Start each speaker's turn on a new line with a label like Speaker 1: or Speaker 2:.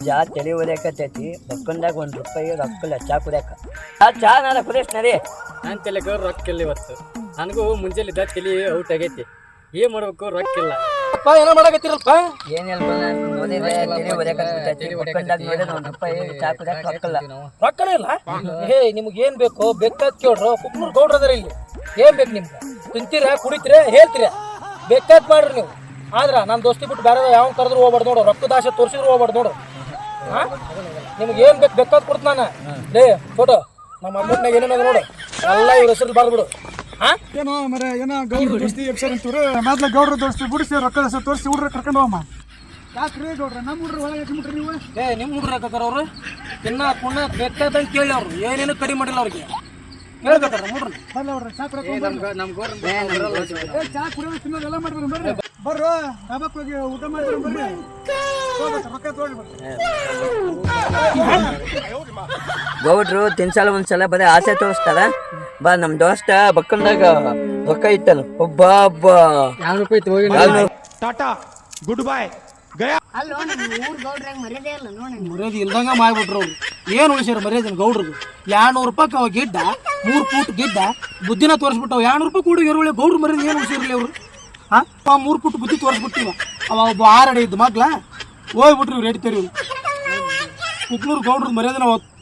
Speaker 1: ಜಾ ತಲೆ ಹೊಡ್ಯಾಕತ್ತೈತಿ ಬಕ್ಕಂದಾಗ ₹1 ರೊಕ್ಕಲ್ಲ ಚಾ ಕುಡ್ಯಾಕ ಚಾ ನಾರ ಕುಡಿಯಸ್ ನರಿ
Speaker 2: ನಾನು ತಲೆಗೆ ರೊಕ್ಕಿಲ್ಲ ಇವತ್ತು. ನನಗೂ ಮುಂಜಾನಿದ್ದ ತಲೆ ಔಟ್ ಆಗೈತಿ. ಏನ್ ಮಾಡ್ಬೇಕು ರೊಕ್ಕಿಲ್ಲ.
Speaker 3: ಏನೋ ಮಾಡಕತ್ತಿರಲ್ಪ
Speaker 1: ಏನಿಲ್ಲ ನೋಡಿದ್ರೆ ತಲೆ ಹೊಡ್ಯಾಕತ್ತೈತಿ ಬಕ್ಕಂದಾಗ ನೋಡಿದ್ರೆ ₹1 ಚಾ ಕುಡ್ಯಾಕ ರೊಕ್ಕಲ್ಲ.
Speaker 3: ರೊಕ್ಕನೇ ಇಲ್ಲ. ಹೇ ನಿಮ್ಗೆ ಏನ್ ಬೇಕು ಬೇಕಾದ್ ಕೇಳ್ರು. ಕುಕ್ನೂರ್ ಗೌಡ್ರ ಅದಾರ ಇಲ್ಲಿ. ಏನ್ ಬೇಕು ನಿಮ್ಗೆ? ತಿಂತೀರಾ ಕುಡಿತೀರಾ ಹೇಳ್ತೀರಾ ಬೇಕಾದ್ ಮಾಡ್ರಿ ನೀವು. ಆದ್ರ ನನ್ನ ದೋಸ್ತಿ ಬಿಟ್ಟು ಬೇರೆ ಯಾವ ಕರೆದ್ರು ಹೋಗ್ಬಾರ್ದು ನೋಡು. ರೊಕ್ಕದ ಆಸೆ ತೋರಿಸಿದ್ರು ಹೋಗ್ಬಾರ್ದು ನೋಡು. ಹಾ ನಿಮ್ಗೆ ಏನ್ ಬೇಕು ಬೇಕಾದ್ ಕೊಡ್ತ ನಾನು ಲೇ ಫೋಟೋ ನಮ್ಮ ಅಮ್ಮನಾಗ ಏನೇನಾಗ ನೋಡು ಎಲ್ಲ ಇವ್ರ ಹೆಸರು ಬರ್ಬಿಡು. ಹಾ
Speaker 4: ಏನೋ ಮರ ಏನೋ ಗೌಡ್ರ ದೋಸ್ತಿ ಎಪ್ಸರ್ ಅಂತೀವ್ರು. ಮೊದ್ಲ ಗೌಡ್ರ ದೋಸ್ತಿ ಬಿಡಿಸಿ ರೊಕ್ಕದ ಹೆಸರು ತೋರಿಸಿ ಹುಡ್ರ ಕರ್ಕೊಂಡು ಹೋಗಮ್ಮ. ಯಾಕ್ರಿ ಗೌಡ್ರ ನಮ್ಮ ಹುಡ್ರ ಒಳಗೆ ಹಾಕಿಬಿಟ್ರಿ ನೀವು?
Speaker 3: ನಿಮ್ಮ ಹುಡ್ರ ಹಾಕತ್ತಾರ ಅವ್ರು ತಿನ್ನ ಕುಣ್ಣ ಬೇಕಾದಂಗೆ ಕೇಳಿ ಅವ್ರು ಏನೇನು ಕಡಿಮೆ ಮಾಡಿಲ್ಲ ಅವ್ರಿಗೆ ಹೇಳ್ಬೇಕಾರ ಹುಡ್ರ
Speaker 4: ಬರ್ಲ ಅವ್ರ ಚಾ ಕುಡಿಯೋಕೆ
Speaker 2: ನಮ್
Speaker 4: ಚಾ ಕುಡಿಯೋದು ತಿನ್ನೋದೆಲ್ಲ ಮಾಡ್ರಿ ಬರ್ರಿ ಬರ್ರು ಡಾಬಾಕ್ ಹೋಗಿ ಊಟ ಮಾಡ್ರಿ ಬರ್ರಿ ರೊಕ್ಕ ತಗೊಂಡು ಬರ್ರಿ.
Speaker 1: ಗೌಡ್ರು ತಿನ್ಸಲ ಒಂದ್ಸಲ ಬರೀ ಆಸೆ ತೋರಿಸ್ತಾರ. ಬಾ ನಮ್ ದೋಸ್ತ ಬಕ್ಕಂದಾಗ ರೊಕ್ಕ ಇತ್ತಲ್ಲ ಒಬ್ಬ
Speaker 4: ಟಾಟಾ ಗುಡ್ ಬಾಯ್ ಗಯಾ.
Speaker 3: ಮರ್ಯಾದೆ ಇಲ್ದಂಗ ಮಾಡ್ಬಿಟ್ರು ಅವ್ರು. ಏನು ಉಳಿಸ್ಯಾರ ಮರ್ಯಾದೆ ಗೌಡ್ರಿಗೆ? ₹200 ಅವ ಗಿಡ್ಡ 3 ಫೂಟ್ ಗಿಡ್ಡ ಬುದ್ಧಿನ ತೋರಿಸ್ಬಿಟ್ಟವ. ₹200 ಕೂಡ ಎರುಳೆ ಗೌಡ್ರ ಮರ್ಯಾದೆ ಏನು ಉಳಿಸಿರ್ಲಿ ಅವರು? ಹಾ 3 ಫೂಟ್ ಬುದ್ಧಿ ತೋರಿಸ್ಬಿಟ್ಟಿವ. ಅವ ಒಬ್ಬ 6 ಅಡಿ ಇದ್ದ ಮಗ್ಲ ಹೋಗ್ಬಿಟ್ರಿ ಇವ್ರು ಎಡಿತೇರಿ ಇವ್ರು. ಕುಕ್ನೂರು ಗೌಡ್ರ ಮರ್ಯಾದೆ ನಾವು